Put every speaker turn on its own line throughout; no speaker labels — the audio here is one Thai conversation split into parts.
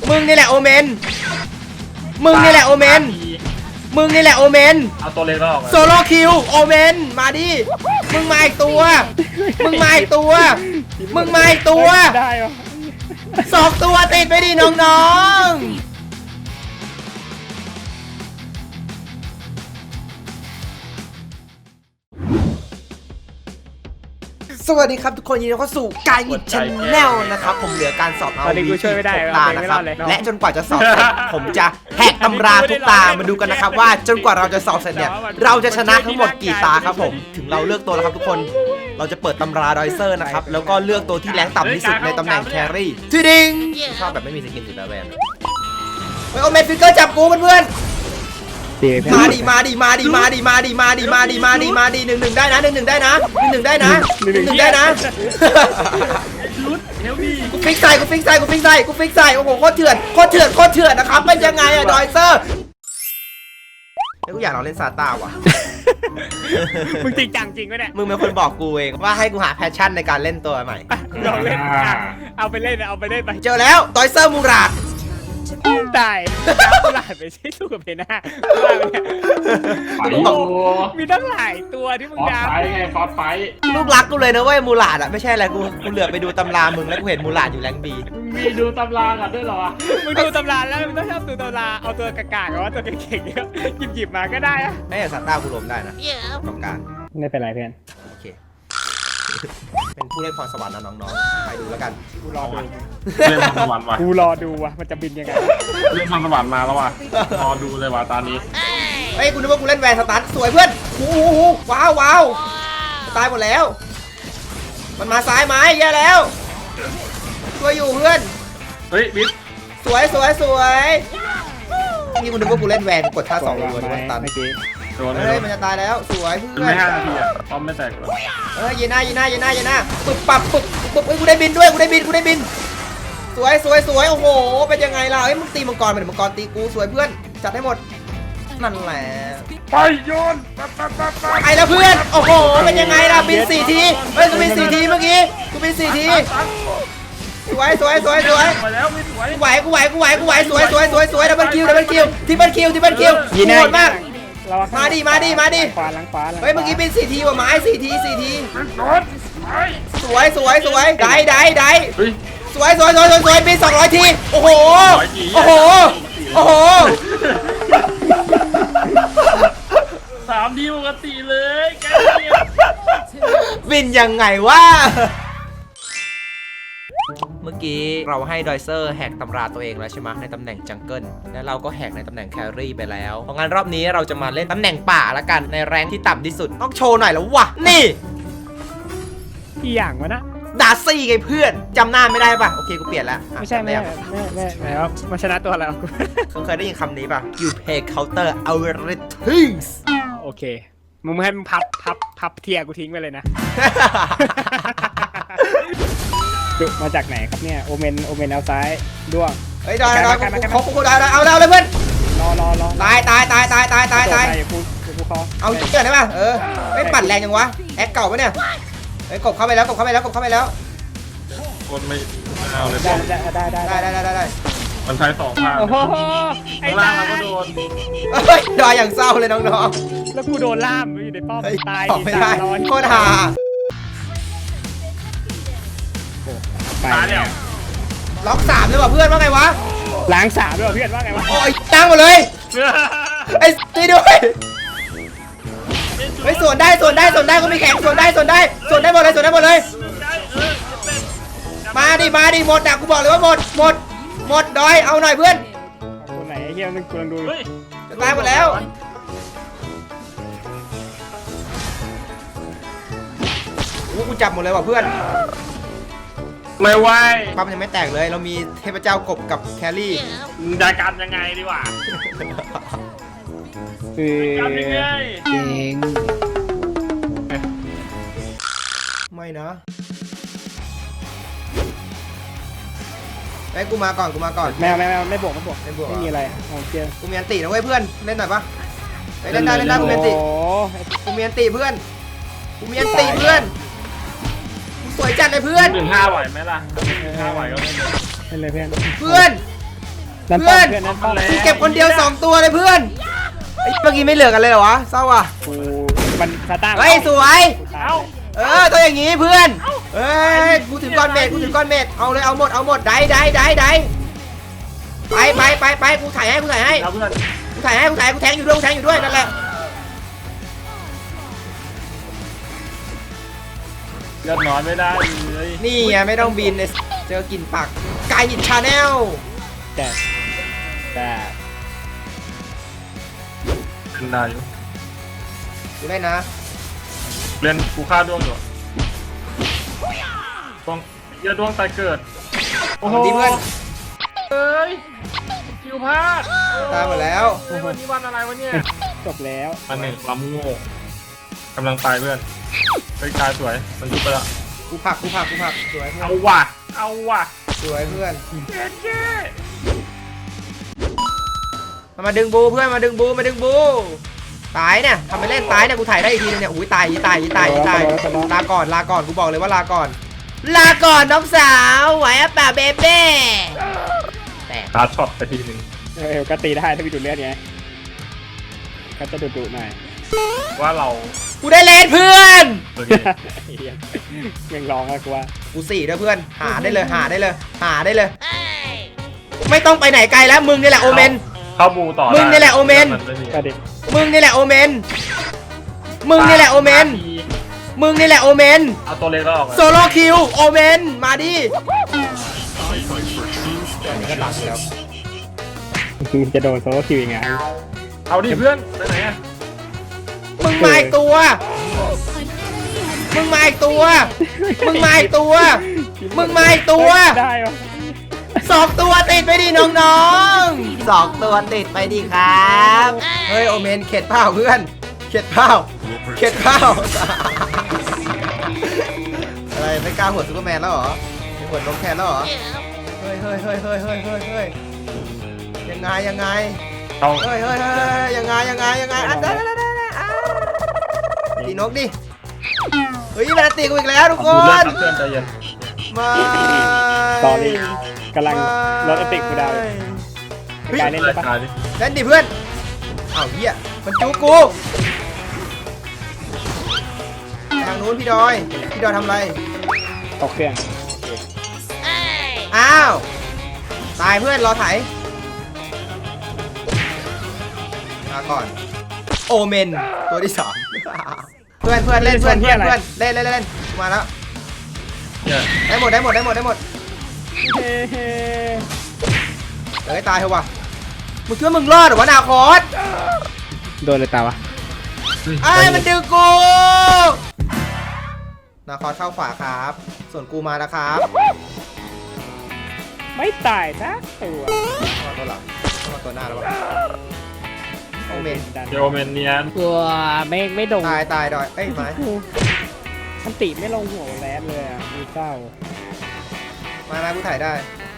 มึงนี่แหละโอเมนมึงนี่แหละโอเมนมึงนี่แหละโอเมน
เอาตัวเล็กออก
โซโลคิวโอเมนมาดิมึงมาอีกตัวมึงมาอีกตัวมึงมาอีกตัว
ได้เหรอ
2 ตัวติดไปดิน้องๆสวัสดีครับทุกคนยินดีเข้าสู่การหยิบชแนลนะครับผมเหลือการสอบเอาวีที่6 ตานะครับและจนกว่าจะสอบเสร็จผมจะแหกตำราทุกตามาดูกันนะครับว่าจนกว่าเราจะสอบเสร็จเนี่ยเราจะชนะทั้งหมดกี่ตาครับผมถึงเราเลือกตัวแล้วครับทุกคนเราจะเปิดตำราดอยเซอร์นะครับแล้วก็เลือกตัวที่แรงต่ำที่สุดในตำแหน่งแครี่ทีดิงชอบแบบไม่มีสกินสีแบบแบบเฮ้ยโอเมนฟิกเกอร์จับกูเพื่อนมาดิมาดิมาดิมาดิมาดิมาดิมาดิมาดิมาดิ1-1ได้นะ1-1ได้นะ1-1ได้นะ1-1ได้นะกูฟิกใส่กูฟิกใส่กูฟิกใส่กูฟิกใส่โอ้โหโคตรเถื่อนโคตรเถื่อนโคตรเถื่อนนะครับเป็นยังไงอะดอยเซอร์แล้วกูอยากลองเล่นซาต้าว่ะ
มึงจริงจังจริงไหมเนี่ย
มึงเป็นคนบอกกูเองว่าให้กูหาแพชชั่นในการเล่นตัวใหม่
ลองเล่นเอาไปเล่นเอาไปเล่นไป
เจอแล้วดอยเซอร์มูราด
ตายตลาดไปใช้สู้กับเพน่ามีตั้งหลายตัวที่มึงดาว
ฟอสไฟ
ลูกรักกูเลยนะเว้ยมูราดอะไม่ใช่อะไรกูเหลือไปดูตำรามึงแล้วกูเห็นมูราดอยู่แรงบี
มีดูตำรากันด้วยเหรอ
มึงดูตำราแล้วมึงต้องชอบดูตำราเอาตัวกากๆหรือว่าตัวเก่งๆเนี่ยหยิบมาก็ได้อะ
ไอ้ซาต้ากูล้มได้นะต้องการ
ไม่เป็นไรเพื่อน
โอเคเป็นผู้เล่นพรสวรรค์นะน้องๆไปดูแล้วกัน
กูรอดู
เล่นพรสวรรค์ว่ะ
กูรอดูว่ะมันจะบินยังไง
เล่นพรสวรรค์มาแล้วว่ะรอดูเลยว่ะตอนนี้
เฮ้ยกูนึกว่ากูเล่นแวนสตาร์ทสวยเพื่อนโอ้โหว้าวว้าวตายหมดแล้วมันมาซ้ายไหมแย่แล้วช่วยอยู่เพื่อน
เฮ้ยบิ๊ก
สวยสวยสวยนี่กูนึกว่ากูเล่นแวนกดท่า2เลยว่าตันเฮ้ยมันจะตายแล้วสวยเพื่อน
ไม่5 นาทีอะป้อมไม่แตกเลย
ยีน่าปึ๊บปับปึ๊บเฮ้ยกูได้บินด้วยกูได้บินสวยโอ้โหเป็นยังไงล่ะเฮ้ยมึงตีมังกรเป็นมังกรตีกูสวยเพื่อนจัดให้หมดนั่นแหละ
ไปโยน
ไปแล้วเพื่อนโอ้โหเป็นยังไงล่ะบิน4 ทีเฮ้ยกูบิน4 ทีเมื่อกี้กูบิน4 ทีสวย
มาแล้วไม่สวย
กูไหวสวยดับเบิลคิวทิปเปิลคิวโหดมากมาดิ
ขวาหลัง
เฮ้ยเมื่อกี้เป็น4 ทีว่ะไม้4 ทีสวยได้สวยเป็น200 ทีโอ้โห
3 ทีปกติเลยแก
บินยังไงวะเมื่อกี้เราให้ดอยเซอร์แหกตำราตัวเองแล้วใช่ไหมในตำแหน่งจังเกิลและเราก็แหกในตำแหน่งแครี่ไปแล้วเพราะงั้นรอบนี้เราจะมาเล่นตำแหน่งป่าละกันในแรงที่ต่ำที่สุดต้องโชว์หน่อยแล้ววะนี่
อีอย่างวะนะ
ดาซี่ไงเพื่อนจำหน้าไม่ได้ป่ะโอเคกูเปลี่ยนแล้ว
ไม่ใช่แล้วมาชนะตัวแล้ว
เคยได้ยินคำนี้ป่ะ you pay counter algorithms
โอเคมึงให้มึงพับเทียกูทิ้งไปเลยนะมาจากไหนครับเนี่ยโอเมนเอาซ้ายด้วง
เฮ้ยได้กูได้เอาเลยเพื่อน
รอ
ตายเอาเกิดได้ป่ะไม่ปั่นแรงจังวะแอคเก่าปะเนี่ยเฮ้ยกบเข้าไปแล้ว
คนไม่เอาเลย
ได้
มันใช้2 ทาง
โอ้โหไอ้
ล่างก็โดน
ดอยอย่างเศร้าเลยน้อง
ๆแล้วกูโดนล่ามอยู่ในป้อมตาย
ไม่ได้โคตรฮา
ตายแล้ว
ล็อก3เลยว่ะเพื่อนว่าไงวะ
ล้าง3ด้วยเพื่อนว่าไงวะ
โอ้ยตั้งหมดเลยไอ้ตีด้วยไอ้ส่วนได้ก็มีแข่งส่วนได้หมดเลยมาดิหมดอ่ะกูบอกเลยว่าหมดดอยเอาหน่อยเพื่อน
ตัวไหนไอ้เหี้ยนึงกูลองดู
จะตายหมดแล้วกูจับหมดเลยว่ะเพื่อน
ไม่ไหว
ปั๊มยังไม่แตกเลยเรามีเทพเจ้ากบกับแครี่
จะกันยังไงดีวะกันยังไง
เก่ง
ไม่นะไอ้กูมาก่อน
ไม่บวกไม่มีอะไรเชียร์
กูมีอันตินะเว้ยเพื่อนเล่นหน่อยปะเล่นได้กูมีอันติกูมีอันติเพื่อนสวยจัดเลยเพื่อน
1-5ไหวไหมล่ะ1-5ไหวก็
เล่นเลยเพื่อนนั่น
เพื่อน
นั่นป้อม
กูเก็บคนเดียว2ตัวเลยเพื่อนไอ้เมื่อกี้ไม่เหลือกันเลยเหรอวะเศร้าว่ะ
กูมันสตาร์
เฮ้ยสวย
เอ้า
ตัวอย่างงี้เพื่อนเฮ้ยกูถึงก้อนเมดเอาเลยเอาหมดได้ไปกูถ่ายให้
แล้วเพื่อน
กูแทงอยู่ด้วยนั่นแหละ
เลือดน้อยไม่ได้เลย
นี่ไงไม่ต้องบินเลยเจอกินปากกายหินชาแนล
แต่
เป็นได้อยู่
ดูได้นะ
เล่นกูฆ่าด้วงอยู่ด้วงเหี้ยด้วงตายเกิดโอ้โห
ดีเพื่อน
เอ้ยคิวพลาด
ตายหมดแล้ว
เฮ้ยวันนี้วันอะไรวะเนี่ย
จบแล้ว
มันหนึ่งความโง่กำลังตายเพื่อนเฮ้ยกายสวยมันยุบไปแล้ว
กูผักสวยเพื่อน
เอาว่ะ
สวยเพื่อน
เจ๊
มาดึงบูเพื่อนมาดึงบูตายเนี่ยทำไปเล่นตายเนี่ยกูถ่ายได้อีกทีนึงเนี่ยอุ้ยตายลาก่อนกูบอกเลยว่าลาก่อนน้องสาวไหวอะป่ะเบเบ้แต่
ตาช็อตไปทีหนึ่ง
ก็ตีได้ถ้ามีดูดเลือดไงก็จะดุๆหน่อย
ว่าเรา
กูได้เลนเพื่อน
โอเค
ยังร้องอะกูว่า
กู4ด้วยเพื่อนหาได้เลยไม่ต้องไปไหนไกลแล้วมึงนี่แหละโอเมน
เข้าบูต่อ
มึงนี่แหละโอเมน
ก็ดิ
มึงนี่แหละโอเมน
เอาตัวเล็กแล้วออก
โซโลคิวโอเมนมาดิอันนี้ก็ตัดแล้ว
จะโดนโซโลคิวยังไง
เอาดิเพื่อนไปไหนอะ
มึงมาอีกตัว
ได้ปะ
2 ตัวติดไปดิน้องๆ2 ตัวติดไปดิครับเฮ้ยโอเมนเข็ดเปล่าเพื่อนเข็ดเปล่าอะไรไม่กล้าหัวซูเปอร์แมนแล้วเหรอไม่หัวนกแทนแล้วเหรอเฮ้ยยังไง
เอา
เฮ้ยยังไงอ่ะได้ตีนกดิเฮ้ยมันตีกูอีกแล้วทุกค
ดูเลือด
น
เพื่อนใจเย็น
มา
ตอนนี้กำลังรถติกกูดาวการเล่นได้ปะ
กายดิ
เล่นดิเพื่อนอ้าวเหี้ยมันจูกูทางนู้นพี่ดอยทำอะไร
ตกเครื่อง
อ้าวตายเพื่อนรอไถมาก่อนโอเมนตัวที่ 2เพื่อนเล่นมาแล้ว
เนี่ย
ได้หมดเฮ้ยตายเถอะวะมึงคิดว่ามึงรอดเหรอวะนาคอส
โดนเลยตาวะ
ไอ้มันดึงกูนาคอสเข้าขวาครับ ส่วนกูมาแล้วครับ
ไม่ตายนะตัว
มาตัวหลังมาตัวหน้าแล้ววะโอเมน
เดี๋ยวเมนเนียน
ตัวไม่โดน
ตายดอยเอ้ยไม้
มันติไม่ลงหัวแรดเลยอ่ะมีเศร้า
มากูถ่ายได้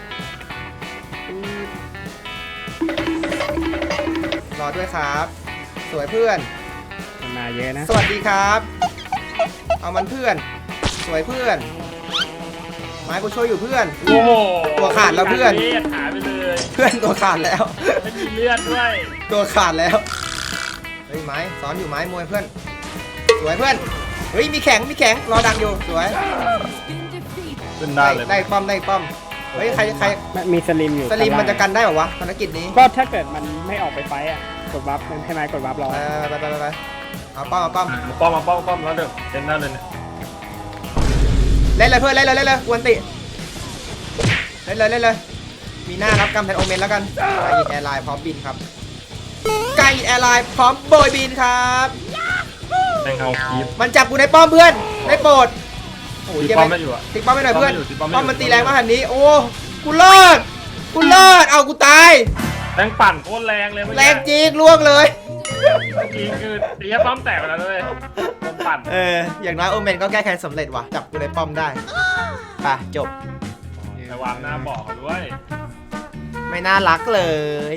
รอด้วยครับ สวยเพื่อน
มันมาเยอะนะ
สวัสดีครับ เอามันเพื่อน สวยเพื่อน ไม้กูช่วยอยู่เพื่อน
โอ้โห
ตัวขาดแล้วเพื่อน
ลือดหายไปเลย
เพื่อนตัวขาดแล้ว
ไม่มีเลือดด้วย
ตัวขาดแล้ว เฮ้ยไม้ซ้อนอยู่ไม้มวยเพื่อน สวยเพื่อน เฮ้ยมีแข็งรอดังอยู่สวย
ขึ้นได้เลย
ได้ป้อม เฮ้ยใคร
มีสลิมอยู่
สลิมมันจะกันได้เหรอวะภารกิจนี้
ก็ถ้าเกิดมันไม่ออกไปไฟอ่ะกดวับมันให้ไม้กดวับรอ
ไปเอาป้อม
มาป้อมแล้วเดี๋ยวเล่นได้เลยเนี่ย
เล่นเลยเพื่อนเล่นเลยกวนติเล่นเลยมีหน้ารับกรรมแทนโอเมนแล้วกันกายอินแอร์ไลน์พร้อมบินครับกายอินแอร์ไลน์พร้อมโบยบินครับ
แทงเอาคีบ
มันจับกูในป้อมเพื่อนได้โปรดโอ้ย
ตีป้อมไม่อยู่อะ
ติ๊กป้อมไม่หน่อยเพื่อน
ตีป้อมไม่อยู่
ป้อมมันตีแรงมากขนาดนี้โอ้กูรอดเอากูตาย
แรงปั่นโคตรแรงเลย
แรงจริงล่วงเลย
จริงคือตีให้ป้อมแตกไปแล้วด้วยป้อมปั่น
อย่างน้อยโอเมนก็แก้แค้นสำเร็จว่ะจับกูในป้อมได้ไปจบ
ระวังหน้าบอกเขาด้วย
ไม่น่ารักเลย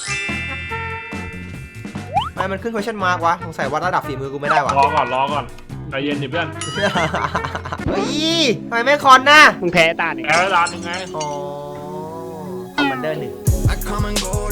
ทำไมมันขึ้น question mark วะสงสัยวัดระดับฝีมือกูไม่ได้วะ
รอก่อนใจเย็นดิเพื่อน
เฮ้ยทำไมไม่คอนนะ
มึงแพ้ตาเนี่ย
แพ้ร้านยังไง
อ๋อคอมมานเดอร์1
come and go